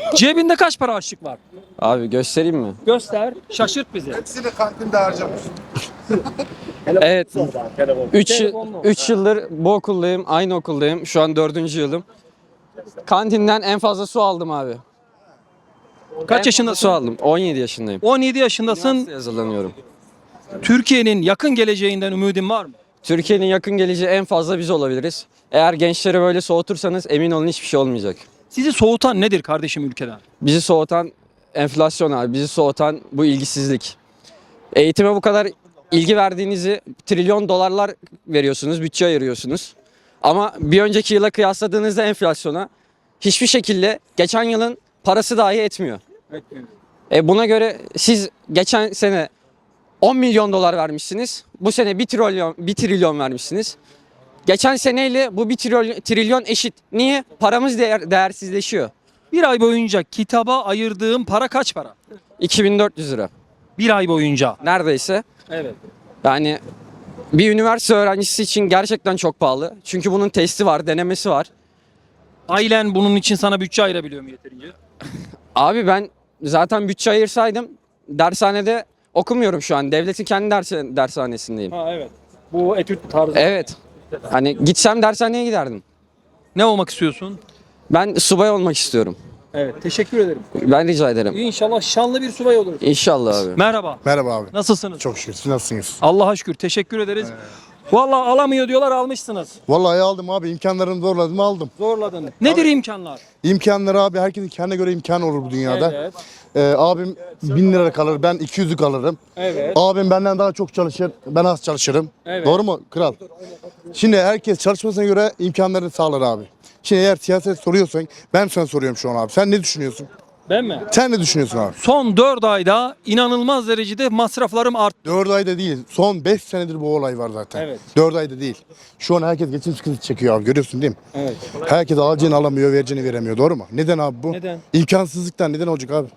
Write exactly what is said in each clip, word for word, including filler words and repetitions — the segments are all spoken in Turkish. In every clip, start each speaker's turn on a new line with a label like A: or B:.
A: Cebinde kaç para harçlık var?
B: Abi göstereyim mi?
A: Göster. Şaşırt bizi.
C: Hepsini kantinde harcamış.
B: Evet. üç
A: Telefonla.
B: üç yıldır bu okuldayım. Aynı okuldayım. Şu an dördüncü yılım. Kantinden en fazla su aldım abi.
A: Kaç
B: En
A: yaşındasın?
B: fazla su aldım. on yedi yaşındayım.
A: on yedi yaşındasın.
B: Üniversiteye hazırlanıyorum.
A: Türkiye'nin yakın geleceğinden ümidin var mı?
B: Türkiye'nin yakın geleceği en fazla biz olabiliriz. Eğer gençleri böyle soğutursanız emin olun hiçbir şey olmayacak.
A: Sizi soğutan nedir kardeşim ülkeden?
B: Bizi soğutan enflasyon abi. Bizi soğutan bu ilgisizlik. Eğitime bu kadar ilgi verdiğinizi trilyon dolarlar veriyorsunuz, bütçe ayırıyorsunuz. Ama bir önceki yıla kıyasladığınızda enflasyona hiçbir şekilde geçen yılın parası dahi etmiyor. E buna göre siz geçen sene on milyon dolar vermişsiniz. Bu sene bir trilyon, bir trilyon vermişsiniz. Geçen seneyle bu bir trilyon, trilyon eşit. Niye? Paramız değer, değersizleşiyor.
A: Bir ay boyunca kitaba ayırdığım para kaç para?
B: iki bin dört yüz lira.
A: Bir ay boyunca.
B: Neredeyse.
A: Evet.
B: Yani bir üniversite öğrencisi için gerçekten çok pahalı. Çünkü bunun testi var, denemesi var.
A: Ailen bunun için sana bütçe ayırabiliyor mu yeterince?
B: Abi ben zaten bütçe ayırsaydım dershanede okumuyorum şu an. Devletin kendi ders dershanesindeyim.
A: Ha evet. Bu etüt tarzı.
B: Evet. Hani gitsem dershaneye giderdim.
A: Ne olmak istiyorsun?
B: Ben subay olmak istiyorum.
A: Evet. Teşekkür ederim.
B: Ben rica ederim.
A: İnşallah şanlı bir subay oluruz.
B: İnşallah abi.
A: Merhaba.
C: Merhaba abi.
A: Nasılsınız?
C: Çok şükür. Siz nasılsınız?
A: Allah'a şükür. Teşekkür ederiz. Vallahi alamıyor diyorlar, almışsınız.
C: Vallahi aldım abi. İmkanlarımı zorladım aldım.
A: Zorladın. Nedir imkanlar?
C: İmkanları abi herkesin kendine göre imkanı olur bu dünyada.
A: Evet.
C: Ee, abim bin lira kalır. Ben iki yüzlük alırım.
A: Evet.
C: Abim benden daha çok çalışır. Ben az çalışırım.
A: Evet.
C: Doğru mu kral? Şimdi herkes çalışmasına göre imkanlarını sağlar abi. Şimdi eğer siyaset soruyorsan ben sana soruyorum şu an abi. Sen ne düşünüyorsun?
A: Ben mi?
C: Sen ne düşünüyorsun abi?
A: Son dört ayda inanılmaz derecede masraflarım arttı.
C: dört ayda değil. Son beş senedir bu olay var zaten.
A: Evet.
C: dört ayda değil. Şu an herkes geçim sıkıntısı çekiyor abi. Görüyorsun değil mi?
A: Evet.
C: Herkes alacağını alamıyor, vereceğini veremiyor. Doğru mu? Neden abi bu?
A: Neden?
C: İmkansızlıktan neden olacak abi?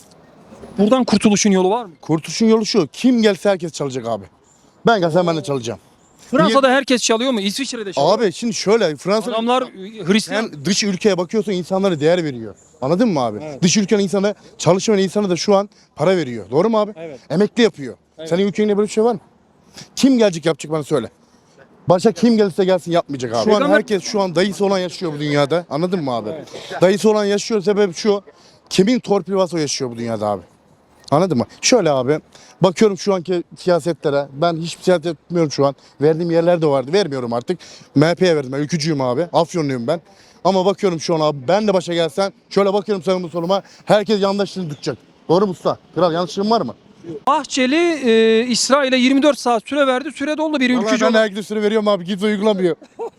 A: Buradan kurtuluşun yolu var mı?
C: Kurtuluşun yolu şu. Kim gelse herkes çalacak abi. Ben gelsem ben de çalacağım.
A: Fransa'da herkes çalıyor mu? İsviçre'de çalıyor.
C: Abi şimdi şöyle Fransa
A: Adamlar Hristiyan.
C: sen dış ülkeye bakıyorsun insanlara değer veriyor. Anladın mı abi? Dış ülkenin insanı çalışmayan insana da şu an para veriyor. Doğru mu abi?
A: Evet.
C: Emekli yapıyor. Senin ülkende böyle bir şey var mı? Kim gelecek yapacak bana söyle. Başka kim gelirse gelsin yapmayacak abi. Şu an
A: Peygamber-
C: herkes şu an dayısı olan yaşıyor bu dünyada. Anladın mı abi? Dayısı olan yaşıyor sebep şu. Kimin torpili varsa o yaşıyor bu dünyada abi. Anladın mı? Şöyle abi. Bakıyorum şu anki siyasetlere. Ben hiçbir siyaset etmiyorum şu an. Verdiğim yerler de vardı. Vermiyorum artık. M H P'ye verdim. Ben ülkücüyüm abi. Afyonluyum ben. Ama bakıyorum şu an abi. Ben de başa gelsem. Şöyle bakıyorum sağıma soluma. Herkes yandaşlığını tutacak. Doğru mu usta? Kral yanlışlığım var mı?
A: Bahçeli e, İsrail'e yirmi dört saat süre verdi. Süre doldu bir
C: Vallahi
A: ülkücü.
C: ben
A: olarak.
C: herkese süre veriyorum abi. Kimse uygulamıyor.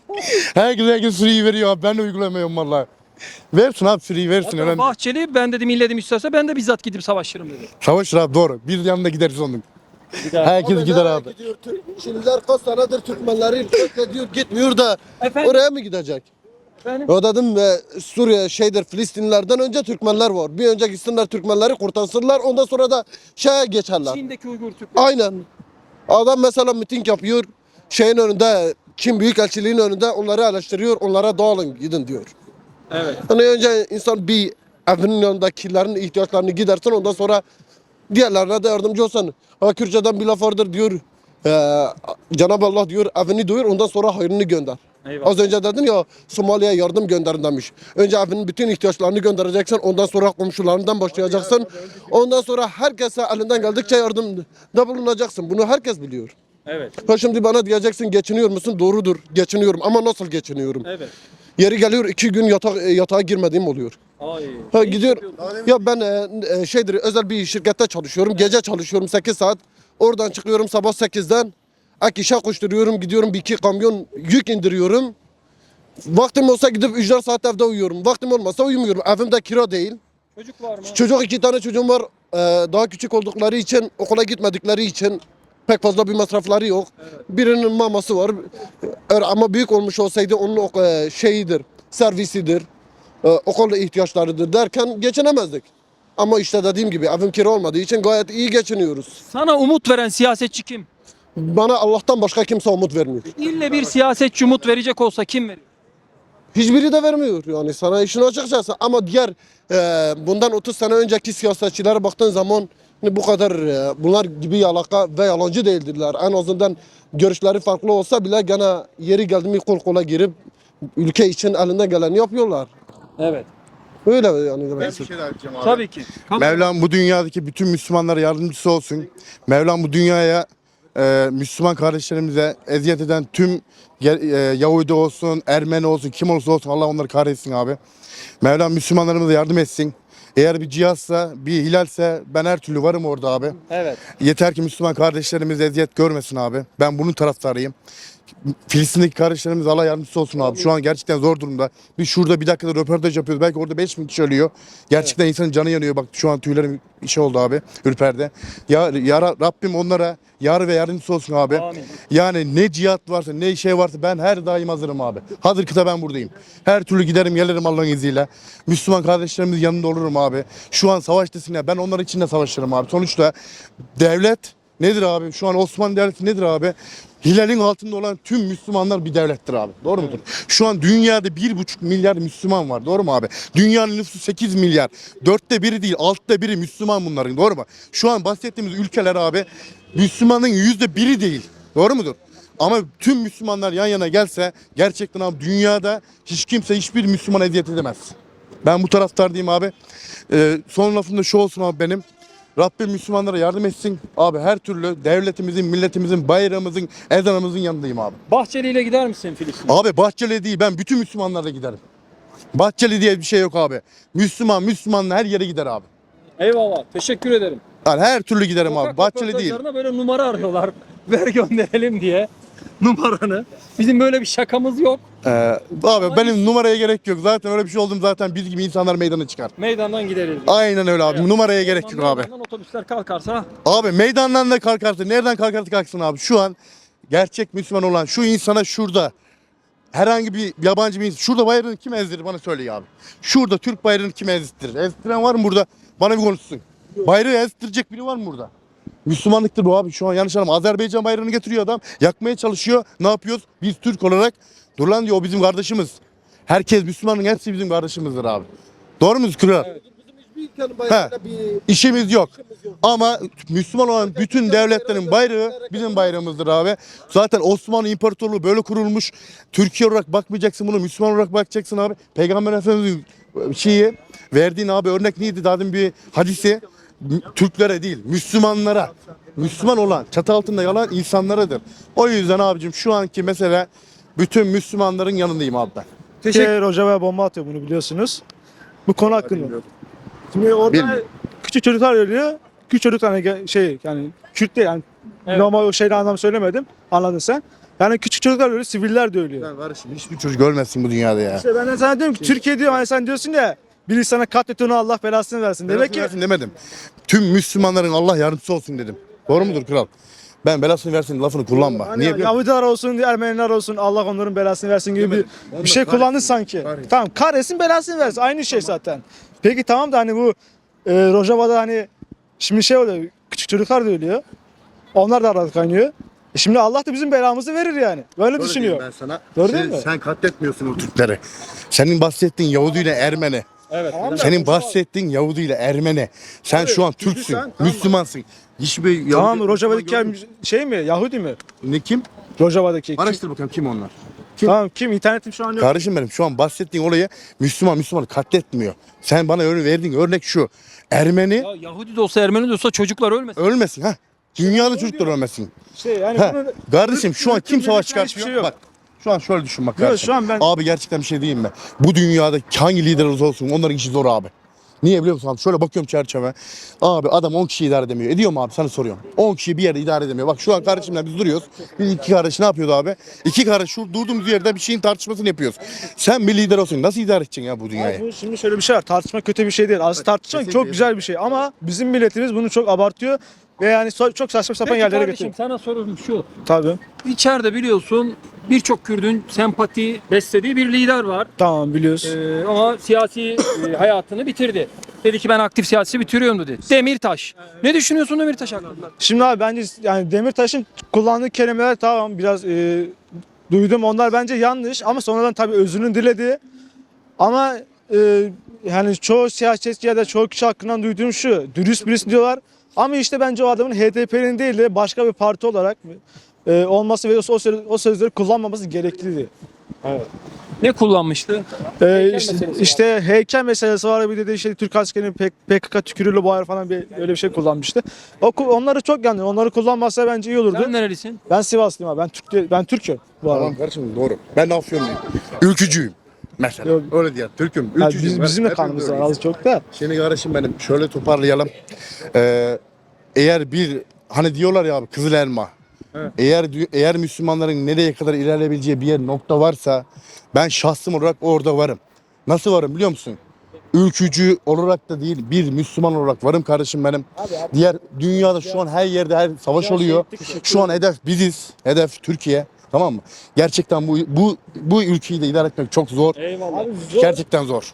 C: herkes herkes süreyi veriyor abi. Ben de uygulamıyorum vallahi. Versin abi süreyi versin.
A: Hatta
C: Önemli.
A: Bahçeli ben dedim illedim isterse ben de bizzat gidip savaşırım dedi.
C: Savaşır abi doğru. Bir yanında gideriz onun. Herkes gider abi.
D: Gidiyor, Türk- Şimdiler kaç senedir Türkmenleri diyor gitmiyor da
A: Efendim?
D: oraya mı gidecek?
A: Efendim?
D: O dedim e, Suriye şeydir Filistinlilerden önce Türkmenler var. Bir önce gitsinler Türkmenleri kurtarsınlar ondan sonra da şeye geçerler.
A: Çin'deki Uygur Türkleri.
D: Aynen. Adam mesela miting yapıyor. Şeyin önünde Çin Büyükelçiliğin önünde onları eleştiriyor. Onlara dağılın gidin diyor.
A: Evet.
D: Hani önce insan bir evinin yanındakilerin ihtiyaçlarını gidersin ondan sonra diğerlerine de yardımcı olsan. Ha Kürtçeden bir laf vardır diyor. E, Cenab-ı Allah diyor evini doyur ondan sonra hayrını gönder.
A: Eyvallah.
D: Az önce dedin ya Somali'ye yardım gönderin demiş. Önce evinin bütün ihtiyaçlarını göndereceksin. Ondan sonra komşularından başlayacaksın. Ondan sonra herkese elinden geldikçe yardımda bulunacaksın. Bunu herkes biliyor.
A: Evet.
D: Ha şimdi bana diyeceksin geçiniyor musun? Doğrudur. Geçiniyorum ama nasıl geçiniyorum?
A: Evet.
D: Yeri geliyor iki gün yatak, yatağa girmediğim oluyor.
A: Ay.
D: Ha gidiyor. Ya ben e, e, şeydir özel bir şirkette çalışıyorum. Gece çalışıyorum sekiz saat. Oradan çıkıyorum sabah sekizden. Ek işe koşturuyorum. Gidiyorum bir iki kamyon yük indiriyorum. Vaktim olsa gidip ücret saat evde uyuyorum. Vaktim olmasa uyumuyorum. Evimde kira değil.
A: Çocuk var mı?
D: Çocuk iki tane çocuğum var. Ee, daha küçük oldukları için okula gitmedikleri için pek fazla bir masrafları yok. Birinin maması var. Eğer ama büyük olmuş olsaydı onun ok- e, şeyidir, servisidir, e, okul ihtiyaçlarıdır derken geçinemezdik. Ama işte dediğim gibi evim kira olmadığı için gayet iyi geçiniyoruz.
A: Sana umut veren siyasetçi kim?
D: Bana Allah'tan başka kimse umut vermiyor.
A: İlle bir siyasetçi umut verecek olsa kim verir?
D: Hiçbiri de vermiyor yani sana işin açıkçası. Ama diğer e, bundan otuz sene önceki siyasetçilere baktığın zaman hani bu kadar e, bunlar gibi yalaka ve yalancı değildirler. En azından görüşleri farklı olsa bile gene yeri geldi mi kol kola girip ülke için elinden geleni yapıyorlar.
A: Evet.
D: Öyle yani demek
C: Ben bir
D: istiyorum.
C: şey daha diyeceğim abi.
A: Tabii ki. Kam-
C: Mevlam bu dünyadaki bütün Müslümanlara yardımcısı olsun. Mevlam bu dünyaya e, Müslüman kardeşlerimize eziyet eden tüm ge- e, Yahudi olsun, Ermeni olsun, kim olursa olsun Allah onları kahretsin abi. Mevlam Müslümanlarımıza yardım etsin. Eğer bir cihazsa, bir hilalse ben her türlü varım orada abi.
A: Evet.
C: Yeter ki Müslüman kardeşlerimiz eziyet görmesin abi. Ben bunun taraftarıyım. Filistin'deki kardeşlerimiz Allah yardımcısı olsun abi. Şu an gerçekten zor durumda. Biz şurada bir dakikada röportaj yapıyoruz. Belki orada beş bin kişi ölüyor. Gerçekten insanın canı yanıyor. Bak şu an tüylerim işi oldu abi. Ürperdi. Ya, ya Rabbim onlara yar ve yardımcısı olsun abi.
A: Amin.
C: Yani ne cihat varsa ne şey varsa ben her daim hazırım abi. Hazır kıta ben buradayım. Her türlü giderim gelirim Allah'ın izniyle. Müslüman kardeşlerimizin yanında olurum abi. Şu an savaş desinler. Ben onların için de savaşırım abi. Sonuçta devlet nedir abi? Şu an Osmanlı Devleti nedir abi? Hilal'in altında olan tüm Müslümanlar bir devlettir abi. Doğru mudur? Şu an dünyada bir buçuk milyar Müslüman var. Doğru mu abi? Dünyanın nüfusu sekiz milyar. Dörtte biri değil, altta biri Müslüman bunların. Doğru mu? Şu an bahsettiğimiz ülkeler abi Müslümanın yüzde biri değil. Doğru mudur? Ama tüm Müslümanlar yan yana gelse gerçekten abi dünyada hiç kimse hiçbir Müslüman eziyet edemez. Ben bu taraftardayım abi. Ee, son lafım da şu olsun abi benim. Rabbim Müslümanlara yardım etsin. Abi her türlü devletimizin, milletimizin, bayrağımızın, ezanımızın yanındayım abi.
A: Bahçeli ile gider misin Filistin'e?
C: Abi Bahçeli değil, ben bütün Müslümanlarla giderim. Bahçeli diye bir şey yok abi. Müslüman, Müslümanla her yere gider abi.
A: Eyvallah. Teşekkür ederim.
C: Yani her türlü giderim abi.
A: Sokak
C: Bahçeli değil.
A: röportajlarına böyle numara arıyorlar. Ver gönderelim diye numaranı. Bizim böyle bir şakamız yok.
C: Ee, abi benim numaraya gerek yok. Zaten öyle bir şey oldum zaten biz gibi insanlar meydana çıkar.
A: Meydandan gideriz.
C: Aynen öyle abi.
A: Evet.
C: Numaraya gerek yok abi.
A: Meydandan otobüsler kalkarsa
C: Abi meydandan da kalkarsa nereden kalkarsa kalksın abi. Şu an gerçek Müslüman olan şu insana şurada herhangi bir yabancı bir insan şurada bayrağını kim ezdirir bana söyle abi. Şurada Türk bayrağını kim ezdirir? Ezdiren var mı burada? Bana bir konuşsun. Bayrağı ezdirecek biri var mı burada? Müslümanlıktır bu abi. Şu an yanlış anlama. Azerbaycan bayrağını getiriyor adam. Yakmaya çalışıyor. Ne yapıyoruz? Biz Türk olarak dur lan diyor o bizim kardeşimiz. Herkes Müslümanın hepsi bizim kardeşimizdir abi. Doğru muyuz Kral?
A: Evet.
D: Bizim hiçbir ülkenin bayrağıyla bir
C: İşimiz yok.
D: işimiz yok.
C: Ama Müslüman olan bütün devletlerin bayrağı bizim bayrağımızdır abi. Zaten Osmanlı İmparatorluğu böyle kurulmuş. Türkiye olarak bakmayacaksın bunu. Müslüman olarak bakacaksın abi. Peygamber Efendimiz'in şeyi verdiğin abi örnek neydi? Daha demin bir hadisi. Türklere değil, Müslümanlara. Müslüman olan, çatı altında yalan insanlaradır. O yüzden abicim şu anki mesele bütün Müslümanların yanındayım abi ben.
A: teşekkür
E: Hoca ve bomba atıyor bunu biliyorsunuz. Bu konu hakkında. Şimdi orada
C: Bilmiyorum.
E: küçük çocuklar ölüyor. Küçük çocuk hani ge- şey yani Kürt değil yani
A: Evet.
E: normal o şeyle anlam söylemedim. Anladın sen. Yani küçük çocuklar ölüyor, siviller de ölüyor.
C: Ben kardeşim hiçbir çocuk ölmesin bu dünyada ya.
E: İşte ben de sana diyorum ki Türkiye diyor hani sen diyorsun ya biri sana katletiyor Allah belasını versin. Demek ki
C: Versin demedim. Tüm Müslümanların Allah yardımcısı olsun dedim. Doğru mudur kral? Ben belasını versin lafını kullanma.
E: hani
C: Niye biliyor musun?
E: Yahudiler olsun, Ermeniler olsun Allah onların belasını versin gibi bir, bir şey kullandın sanki.
C: kahretsin.
E: Tamam kahretsin belasını versin. Aynı şey zaten. Peki tamam da hani bu e, Rojava'da hani şimdi şey oluyor. Küçük çocuklar da ölüyor. Onlar da arada kaynıyor. E şimdi Allah da bizim belamızı verir yani. Böyle
C: Öyle
E: düşünüyor.
C: diyeyim Ben sana.
E: Doğru
C: sen,
E: değil mi?
C: sen katletmiyorsun o Türkleri. Senin bahsettiğin Yahudi ile Ermeni.
A: Evet.
E: Tamam da-
C: Senin bahsettiğin Yahudi ile Ermeni. Sen
E: Abi,
C: şu an
E: çünkü
C: Türksün,
E: sen- tamam.
C: Müslümansın. Hiçbir Yahudi...
E: Tamam Rojava'daki şey mi? Yahudi mi?
C: Ne kim?
E: Rojava'daki. Kim?
C: Araştır bakalım kim onlar.
E: Tamam kim? İnternetim şu an yok.
C: Kardeşim benim şu an bahsettiğin olayı Müslüman Müslümanı katletmiyor. Sen bana örnek verdiğin örnek şu. Ermeni
A: Ya Yahudi de olsa Ermeni de olsa çocuklar ölmesin.
C: ölmesin ha. Dünyada çocuklar ölmesin.
E: Şey yani
C: Ha.
E: bunun
C: Kardeşim şu an kim savaş
E: Hiçbir şey
C: çıkartıyor?
E: yok.
C: Bak şu an şöyle düşün bak
E: Yok,
C: kardeşim.
E: şu an ben-
C: Abi gerçekten bir şey diyeyim mi? Bu dünyada hangi lider olursa olsun onların işi zor abi. Niye biliyor musun abi? Şöyle bakıyorum çerçeve. Abi adam on kişi idare edemiyor. Ediyor mu abi? Sana soruyorum. on kişi bir yerde idare edemiyor. Bak şu an kardeşimle biz duruyoruz. Biz iki kardeş ne yapıyordu abi? İki kardeş şu durduğumuz yerde bir şeyin tartışmasını yapıyoruz. Sen bir lider olsun. Nasıl idare edeceksin ya bu dünyayı?
E: Abi bu şimdi şöyle bir şey var. Tartışma kötü bir şey değil. Aslında tartışmak
C: kesinlikle
E: çok güzel bir şey ama bizim milletimiz bunu çok abartıyor ve yani so- çok saçma sapan
A: Peki
E: yerlere
A: kardeşim
E: getiriyor.
A: sana sorum şu.
E: Tabii.
A: İçeride biliyorsun birçok Kürt'ün sempati beslediği bir lider var.
E: Tamam biliyoruz.
A: Ee, ama siyasi e, hayatını bitirdi. Dedi ki ben aktif siyasi bitiriyorum dedi. Demirtaş. Ne düşünüyorsun Demirtaş hakkında?
E: Şimdi abi bence yani Demirtaş'ın kullandığı kelimeler tamam biraz e, duydum. Onlar bence yanlış ama sonradan tabii özrünü diledi. Ama e, yani çoğu siyasetçi ya da çoğu kişi hakkından duyduğum şu. Dürüst birisi diyorlar. Ama işte bence o adamın H D P'nin değil de başka bir parti olarak e, olması ve o, söz- o sözleri kullanmaması gerekliydi.
A: Ne kullanmıştı?
E: Ee,
A: Heykel
E: işte,
A: meselesi var.
E: işte heykel meselesi var, bir de işte Türk askerinin P K K tükürüğüyle boğar falan bir öyle bir şey kullanmıştı. O, ku- onları çok yanlış. Onları kullanmazsa bence iyi olurdu.
A: Sen nerelisin?
E: Ben Sivaslıyım abi. Ben Türk değil- ben Türk'üm bu arada.
C: Tamam kardeşim doğru. Ben Afyonluyum. Ülkücüyüm. Mesela.
E: Yok.
C: Öyle diyor. Türk'üm.
E: Yani
C: Ülkücüyüm.
E: biz, bizim de
C: Hepimiz
E: kanımız var
C: öyleyiz.
E: az çok da.
C: Şimdi kardeşim benim şöyle toparlayalım. Ee, eğer bir hani diyorlar ya abi kızıl elma.
A: Evet.
C: Eğer dü- eğer Müslümanların nereye kadar ilerleyebileceği bir yer nokta varsa ben şahsım olarak orada varım. Nasıl varım biliyor musun? Ülkücü olarak da değil bir Müslüman olarak varım kardeşim benim. Diğer dünyada şu an her yerde her savaş oluyor. Şu an hedef biziz. Hedef Türkiye. Tamam mı? Gerçekten bu bu bu ülkeyi de idare etmek çok zor.
A: Eyvallah.
C: Gerçekten zor.